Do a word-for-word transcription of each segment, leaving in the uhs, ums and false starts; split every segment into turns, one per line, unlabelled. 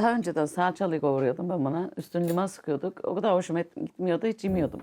daha önceden salçalı kavuruyordum ben buna. Üstüne limon sıkıyorduk. O kadar hoşuma gitmiyordu, hiç yemiyordum.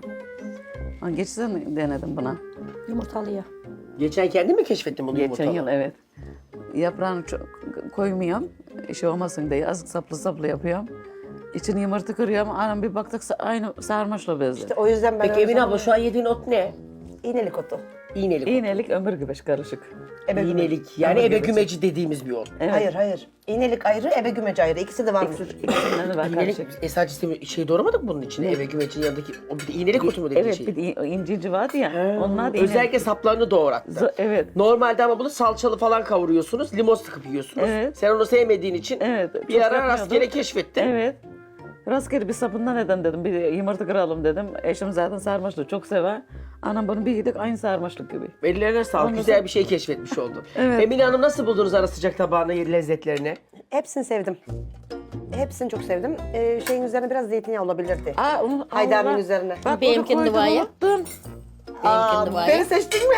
Ama geçen denedim buna.
Yumurtalıya.
Geçen kendin mi keşfettin bunu
Geçen
yumurtalı?
yıl evet. Yaprağını çok koymuyorum. Şey olmasın diye azıcık saplı saplı yapıyorum. İçini yumurta kırıyorum. Anam bir baktık aynı sarmaşla benziyor.
İşte o yüzden ben
Peki
öyle
Emine abla
sanıyorum.
şu an yediğin ot ne?
İğnelik otu.
İğnelik.
İğnelik ömür güveç karışık.
Ebe gümeci.
İğnelik. Yani
Ama
ebe
güveci.
gümeci dediğimiz bir ot.
Evet.
Hayır hayır. İğnelik ayrı, ebe gümeci ayrı. İkisi de varmış.
İkisinden de var
İğnelik,
karışık.
e sadece şey doğramadık mı bunun içine? Ebe gümecinin yanındaki, o bir de iğnelik otu mu dediğin
Evet
şey?
bir de incinci vardı ya. Onlar da
Özellikle
iğnelik.
saplarını doğrattı.
Z- evet.
Normalde ama bunu salçalı falan kavuruyorsunuz, limon sıkıp yiyorsunuz.
Evet.
Sen onu sevmediğin için
Evet,
bir
çok
ara
yapmıyordum.
rastgele keşfettin.
Evet. Rastgele bir sapından neden dedim. Bir yumurta kıralım dedim. Eşim zaten sarmaşlığı çok sever. Anam bunu bir yedik aynı sarmaşlık gibi.
Ellerine sağlık.
Ondan
Güzel
sonra-
bir şey keşfetmiş oldun.
Evet.
Emine Hanım nasıl buldunuz ara sıcak tabağını, lezzetlerini?
Hepsini sevdim. Hepsini çok sevdim. Ee, şeyin üzerine biraz zeytinyağı olabilirdi.
Aa, onu,
Haydari'nin
Allah.
üzerine.
Bak
Benimkinde
onu koydum,
var ya.
unuttum.
Benimkinde var
Beni
ya.
seçtin mi?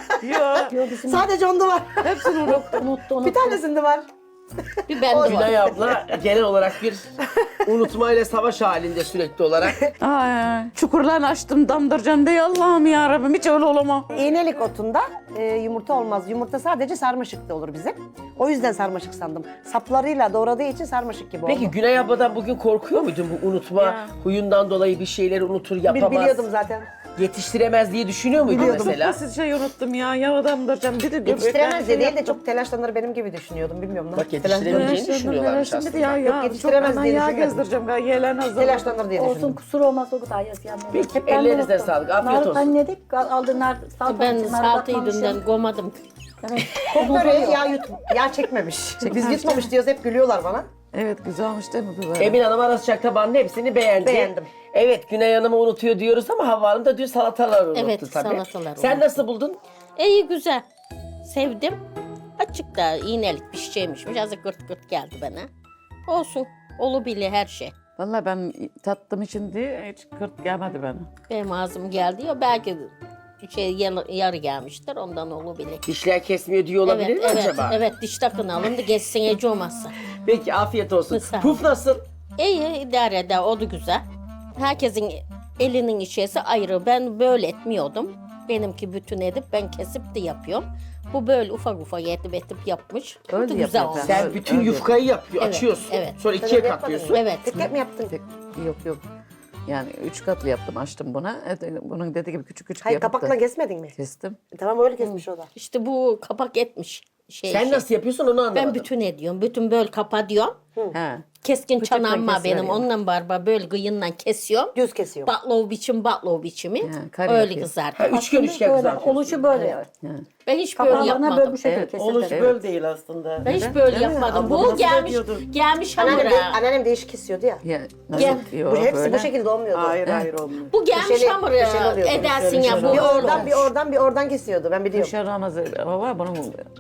Yok.
Sadece onda var.
Hepsini unuttum.
Unuttu, unuttu.
Bir tanesinde var.
Bir bende var.
Günay abla genel olarak bir unutmayla savaş halinde sürekli olarak.
Ay, çukurlarını açtım damdıracağım diye Allah'ım ya Rabbim hiç öyle olamam.
İğnelik otunda e, yumurta olmaz. Yumurta sadece sarmaşıkta olur bizim. O yüzden sarmaşık sandım. Saplarıyla doğradığı için sarmaşık gibi
Peki
oldu.
Günay abladan bugün korkuyor muydun bu unutma
Ya.
huyundan dolayı bir şeyleri unutur,
Bil-
yapamaz,
biliyordum zaten.
yetiştiremez diye düşünüyor muydun
Biliyordum.
mesela?
Çok basit şey unuttum ya. Ya damdıracağım. Bir de
Yetiştiremez diye değil de
yaptım.
çok telaşlanır benim gibi düşünüyordum. Bilmiyorum.
Bak
nasıl
yetiştiremeyeceğini düşünüyorlarmış
Şimdi
aslında.
ya, ya,
Yok, yetiştiremez
çok
diye
yağ
düşünmedim.
gezdireceğim. Ya, Yeğlen hazır.
Telaşlanır diye
Olsun
düşündüm.
kusur olmaz o kadar yaz yani.
Peki,
Hep ben de
ellerinize
unuttum.
sağlık, afiyet
Narı
olsun.
Annedik, aldı nar, salata
Ben
için, nar
saltıyı
bakmamışım.
dünden gomadım.
Evet.
Çok böreği yağ, yut, yağ çekmemiş. Biz yutmamış diyoruz hep gülüyorlar bana.
Evet güzel olmuş değil mi bu böyle?
Emine Hanım ara sıcak tabağının hepsini beğendi.
Beğendim.
Evet Günay Hanım'ı unutuyor diyoruz ama Havva Hanım da dün salatalar unuttu
Evet,
tabii.
salatalar
Sen
unuttu.
nasıl buldun?
İyi güzel. Sevdim. Açık da iğnelik bir şeymişmiş. Azıcık gırt gırt geldi bana. Olsun. Olabilir her şey.
Vallahi ben tattım için diye hiç kırt gelmedi bana.
Benim ağzım geldi ya belki şey yarı, yarı gelmiştir ondan olabilir.
Dişler kesmiyor diyor olabilir
Evet,
mi
evet,
acaba?
evet diş takın alın da geçsin ece olmazsa.
Peki afiyet olsun.
Sağ ol.
Puf nasıl?
İyi idare eder o da güzel. Herkesin elinin işesi ayrı. Ben böyle etmiyordum. Benimki bütün edip ben kesip de yapıyorum. Bu böyle ufak ufak edip edip yapmış. Bu
Öyle
da güzel
yapıyor
olmuş.
ben.
Sen
Öyle-
bütün
öyle.
yufkayı yapıyor,
Evet,
açıyorsun.
evet.
Sonra
Sen
ikiye
öyle yapmadın
katlıyorsun.
mı?
Evet.
Tek tek mi yaptın?
Tek, yok yok. Yani üç katlı yaptım açtım buna. Evet, bunun dediği gibi küçük küçük
Hayır
yapıp da
kapakla kesmedin mi?
kestim.
Tamam öyle kesmiş o da.
İşte bu kapak etmiş. Şey,
Sen
şey.
nasıl yapıyorsun onu anlamadım.
Ben bütün ediyorum. Bütün böyle kapatıyorum.
He.
Keskin
Bıçakla
çanağım var benim.
kesiveriyorum.
Ondan barba böyle kıyından kesiyorum.
Düz kesiyor.
Baklava biçim baklava biçimi.
Ha, kare
öyle
yapıyorsun.
kızartıyor.
Ha, üçgen üçgen
Böyle,
kızartıyorsun.
oluşu böyle.
Ben hiç böyle
Kapağlarına böyle
yapmadım.
bu şekilde
Evet,
kesildi.
Oluş böyle değil aslında.
Ben hiç böyle
Değil mi?
yapmadım.
Ablam
Bu
nasıl
gelmiş
ediyordu?
gelmiş
Anneannem, de,
hamura.
anneannem değişik kesiyordu ya.
Ya, nasıl?
Gel.
Yok,
Bu hepsi
böyle.
bu şekilde olmuyordu.
Hayır hayır olmuyor.
Bu gelmiş
Köşeli-
hamuru
köşeli oluyordu.
edersin ya bu
Bir
öyle
oradan
olmuş.
bir oradan bir oradan kesiyordu ben biliyorum.
Dışarı Ramazan baba bunun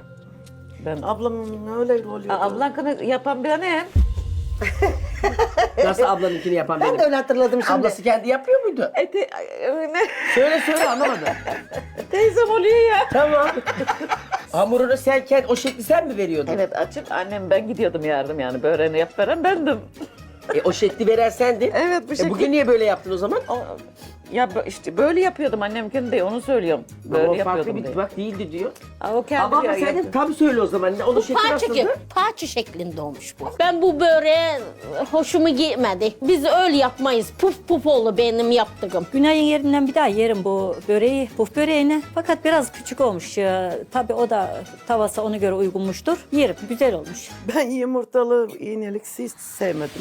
ben
Ablam öyle oluyor.
ablankını yapan bir ne?
Nasıl ablanınkini yapan
Ben
benim?
de öyle hatırladım şimdi.
Ablası kendi yapıyor muydu?
Eti ne?
Söyle söyle anlamadım.
Teyzem oluyor ya.
Tamam. Hamurunu sen kendi, o şekli sen mi veriyordun?
Evet açıp annem ben gidiyordum yardım yani böreğini yap veren bendim.
E, o şekli veren sendin.
Evet bu
E,
şekil.
bugün niye böyle yaptın o zaman?
O- ya bö- işte böyle yapıyordum annemkin de onu söylüyorum. Böyle
Ama o farklı
yapıyordum
bir
diye.
bak değildi diyor.
Aa, o kendi
Ama, ama
ya-
sen
yapıyor.
tam söyle o zaman. Onun
Bu
şekli
parça,
nasıldı?
gibi, parça şeklinde olmuş bu. Ben bu böreğe hoşumu gitmedi. Biz öyle yapmayız. Puf puf oldu benim yaptığım.
Günay'ın yerinden bir daha yerim bu böreği, puf böreğini. Fakat biraz küçük olmuş. Ya. Tabii o da tavası ona göre uygunmuştur. Yerim, güzel olmuş.
Ben yumurtalı iğnelik hiç sevmedim.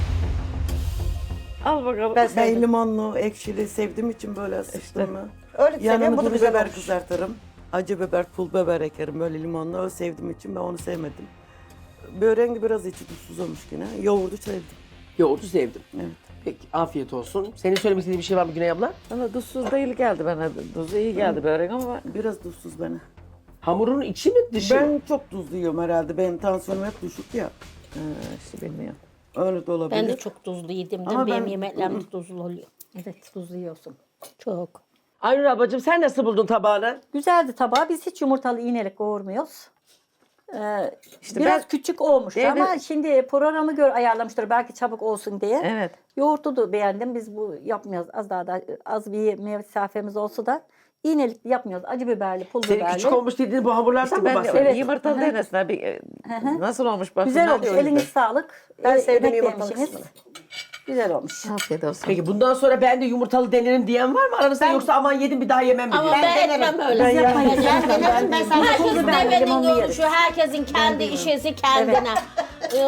Al bakalım.
Ben
Ben
sevdim.
limonlu, ekşili sevdiğim için böyle sıktım.
Öyle seviyorum
Yanına
bu da
duru
güzel
biber
olmuş.
kızartırım. Acı biber, pul biber ekerim böyle limonlu. O sevdiğim için ben onu sevmedim. Böreğin de biraz içi tuzsuz olmuş yine. Yoğurdu sevdim.
Yoğurdu sevdim.
Evet.
Peki afiyet olsun. Senin söylemek istediğin bir şey var mı Güney abla?
Bana tuzsuz değil geldi bana. Tuzu iyi geldi börek ama
Biraz tuzsuz bana.
Hamurun içi mi dışı mı?
Ben çok tuzlu yiyorum herhalde. Benim tansiyonum hep düşük ya.
ha, işte bilmiyorum.
Öyle de olabilir.
Ben de çok tuzlu yedim.
Ama
Benim
ben-
yemeklerim de tuzlu oluyor.
Evet, tuzlu yiyorsun.
Çok.
Aynur ablacığım sen nasıl buldun tabağını?
Güzeldi tabağı. Biz hiç yumurtalı iğnelik kavurmuyoruz. Ee,
İşte
biraz
ben-
küçük olmuş
Evet.
ama şimdi programı göre ayarlamıştır belki çabuk olsun diye.
Evet.
Yoğurtu da beğendim. Biz bu yapmıyoruz. Az daha da az bir mesafemiz olsa da iğnelikli yapmıyoruz. Acı biberli, pul
Senin
biberli.
küçük olmuş dediğin bu hamurlardan mı
Ben de
bahsediyorsun?
Evet.
yumurtalı
Hı hı.
denesine bir e, nasıl olmuş bakın.
Güzel
ben
olmuş.
de o yüzden.
Eliniz sağlık.
Ben
Ee,
sevdim
emek
yumurtalı
vermişsiniz.
kısmını.
Güzel olmuş.
Afiyet olsun.
Peki bundan sonra ben de yumurtalı denerim diyen var mı aranızda yoksa aman yedim bir daha yemem mi
Ama
diyor?
ben,
denerim.
etmem öyle.
Biz yapmayız.
Ben
Ben
denerim.
denerim, ben sana
Herkes
pul biberli,
devenin
limonlu
görüşü,
yeriz.
herkesin kendi işesi kendine. Ee,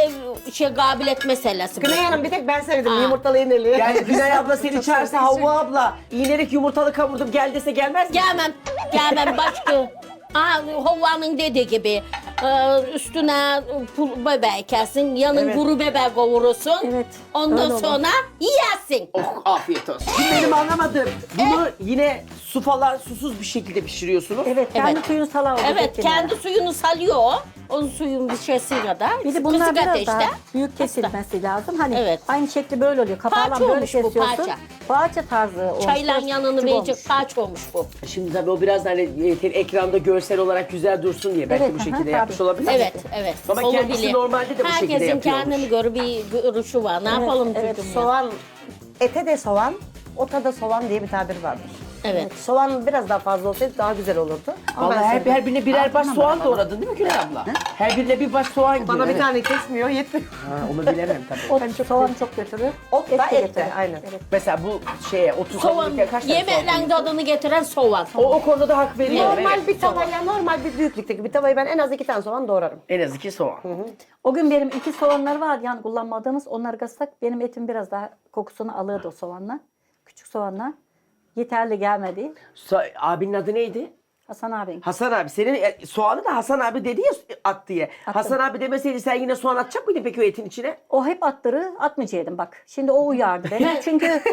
ev şey kabiliyet meselesi. bu.
Güney Hanım bir tek ben sevdim
Aa.
yumurtalı iğneli.
Yani Günay abla seni çağırsa Havva abla iğnelik yumurtalı kavurdum gel dese gelmez mi?
Gelmem, gelmem başka. Aa, Havva'nın dediği gibi e, üstüne pul biber kesin, yanın
Evet.
kuru biber kavurursun.
Evet,
Ondan
öyle olur.
sonra yersin.
Oh afiyet olsun. Şimdi benim anlamadım. Bunu yine su falan susuz bir şekilde pişiriyorsunuz.
Evet, kendi
Evet.
suyunu sala oldu.
Evet, kendi suyunu salıyor o. Onun suyun bir şeysi kadar.
Bir de bunlar
Kısık
biraz
ateşte.
daha büyük kesilmesi lazım. Hani
Evet.
aynı şekli böyle oluyor. Kapağıyla
Parça
böyle
olmuş bu,
kesiyorsun.
parça.
Parça tarzı olmuş.
Çayla
Biraz
yanını
küçük
verecek
olmuş.
kaç olmuş bu.
Şimdi tabii o biraz da hani e, ekranda görsel olarak güzel dursun diye belki
Evet,
bu
aha,
şekilde
tabii.
yapmış olabilir.
Evet, evet.
Ama
olabilir.
kendisi normalde de bu şekilde
Herkesin
yapıyormuş.
kendine göre bir görüşü var. Ne yapalım
Evet,
çocuğum ya?
soğan, ete de soğan, ota da soğan diye bir tabir vardır.
Evet.
Soğan biraz daha fazla olsaydı daha güzel olurdu. Ama
Vallahi
ben
her,
sevdim.
her birine birer baş
Altına
soğan
bana.
doğradın değil mi Günay abla? Her birine bir baş soğan
Bana
giriyor,
bir
evet.
tane kesmiyor, yetmiyor.
Ha, onu bilemem tabii.
Ot, soğan çok götürür.
Ot da
de
et de,
getirir.
aynen.
Evet.
Mesela bu şeye otuz
Soğan,
kaç tane soğan
yemeklerin
koyuyorsun?
tadını getiren soğan.
O, o konuda da hak veriyorum.
Normal
evet.
bir tavaya, normal bir büyüklükteki bir tavayı ben en az iki tane soğan doğrarım.
En az iki soğan.
O gün benim iki soğanlar var yani kullanmadığımız. Onları kıssak benim etim biraz daha kokusunu alırdı o soğanla. Küçük soğanla. Yeterli gelmedi.
So- abinin adı neydi?
Hasan abin.
Hasan abi. Senin e, soğanı da Hasan abi dedi ya at diye. Hasan abi demeseydi sen yine soğan atacak mıydın peki o etin içine?
O hep attırı atmayacaktım bak. Şimdi o uyardı beni. Çünkü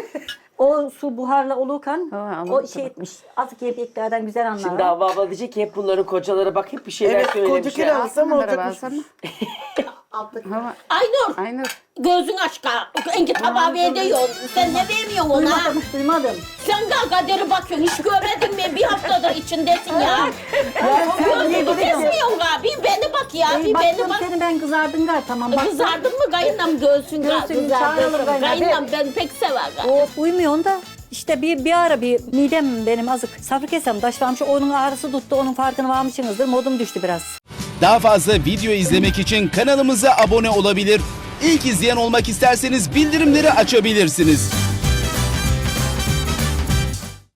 o su buharla olurken
Ha, anladım.
o şey etmiş. Azıcık yemeklerden güzel anlar.
Şimdi Havva abla diyecek ki hep bunların kocaları bak hep bir şeyler
Evet, koca
söylemişler.
kilo alsam
Merhaba,
olacakmış.
alsana. Hava,
Aynur,
Aynur.
gözün açka. Enki tabağı veriyorsun. Sen ne vermiyorsun ona?
Duymadım, duymadım.
Sen de kaderi bakıyorsun. Hiç görmedin mi? Bir haftadır içindesin ya. Gözünü kesmiyorsun abi. Beni bak ya.
Ey,
Bir beni
baktım
bak.
seni ben kızardın gal tamam bak.
Kızardın mı kayınlam göğsün
Göğsün çağıralım
kızardın.
kayınlam.
Kayınlam ben pek sever.
O uymuyor da işte bir, bir ara bir midem benim azık safra kesem taş varmış onun ağrısı tuttu onun farkına varmışsınızdır modum düştü biraz.
Daha fazla video izlemek için kanalımıza abone olabilir. İlk izleyen olmak isterseniz bildirimleri açabilirsiniz.